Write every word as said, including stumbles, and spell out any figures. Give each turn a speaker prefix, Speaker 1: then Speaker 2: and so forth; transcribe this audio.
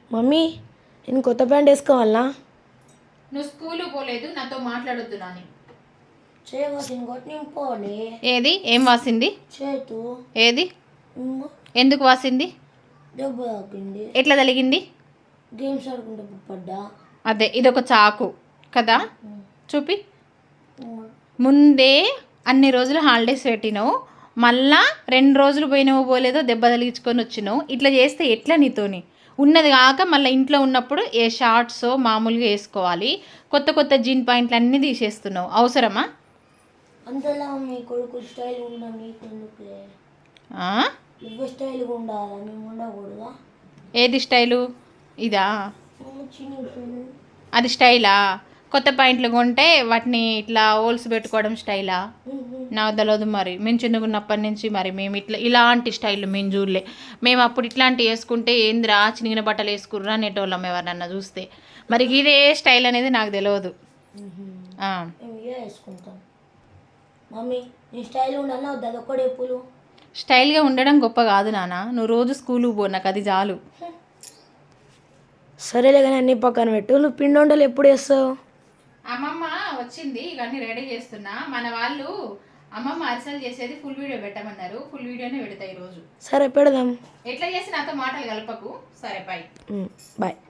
Speaker 1: Mummy నేను కొత్త pant వేసుకోవాలా?
Speaker 2: నువ్వు స్కూలు పోలేదు, నాతో మాట్లాడొద్దు నాని.
Speaker 1: ఏది ఏం వాసింది?
Speaker 2: చేతు.
Speaker 1: ఏది ఎందుకు వాసింది?
Speaker 2: దెబ్బ తాకింది.
Speaker 1: ఎట్లా తలిగింది?
Speaker 2: గేమ్స్ ఆడుకుంటే పడ్డా.
Speaker 1: అదే ఇదొక చాకు కదా, చూపి. ముందే అన్ని రోజులు హాలిడేస్ పెట్టినావు, మళ్ళా రెండు రోజులు పోయినావు పోలేదో దెబ్బ తలిగించుకొని వచ్చినావు. ఇట్లా చేస్తే ఎట్లా నీతోని? ఉన్నది కాక మళ్ళీ ఇంట్లో ఉన్నప్పుడు ఏ షార్ట్స్ మామూలుగా వేసుకోవాలి, కొత్త కొత్త జీన్ పాయింట్లు అన్నీ తీసేస్తున్నావు. అవసరమా?
Speaker 2: అంతలా మీ కొడుకు స్టైల్ ఉండాలి, స్టైల్గా ఉండాలి, మేము ఉండకూడదా?
Speaker 1: ఏది స్టైలు? ఇదా? అది స్టైలా? కొత్త పాయింట్లు కొంటే వాటిని ఇట్లా హోల్స్ పెట్టుకోవడం స్టైలా? నాకు తెలియదు మరి, మేము చిన్నగున్నప్పటి నుంచి మరి మేము ఇట్లా ఇలాంటి స్టైల్ మేము చూడలే. మేము అప్పుడు ఇట్లాంటివి వేసుకుంటే ఏందిరా చినిగిన బట్టలు వేసుకుర్రా అనేటోళ్ళం ఎవరన్నా చూస్తే. మరి ఇదే స్టైల్ అనేది నాకు తెలియదు.
Speaker 2: వేసుకుంటాం మమ్మీ. నీ స్టైల్ ఉండాలి వద్దు, అది ఒక్కడే పూలు.
Speaker 1: స్టైల్గా ఉండడం గొప్ప కాదు నాన్న, నువ్వు రోజు స్కూల్కి పో, నాకు అది చాలు.
Speaker 3: సరేలే కానీ అన్ని పక్కన పెట్టు. నువ్వు పిండి వంటలు ఎప్పుడు వేస్తావు?
Speaker 2: అమ్మమ్మ వచ్చింది, ఇవన్నీ రెడీ చేస్తున్నా. మన వాళ్ళు అమ్మమ్మ అరిసెలు చేసేది ఫుల్ వీడియో పెట్టమన్నారు, ఫుల్ వీడియోనే పెడతా ఈరోజు.
Speaker 3: సరే పెడదాం.
Speaker 2: ఎట్లా చేసి నాతో మాటలు కలపకు. సరే బాయ్.
Speaker 3: బాయ్.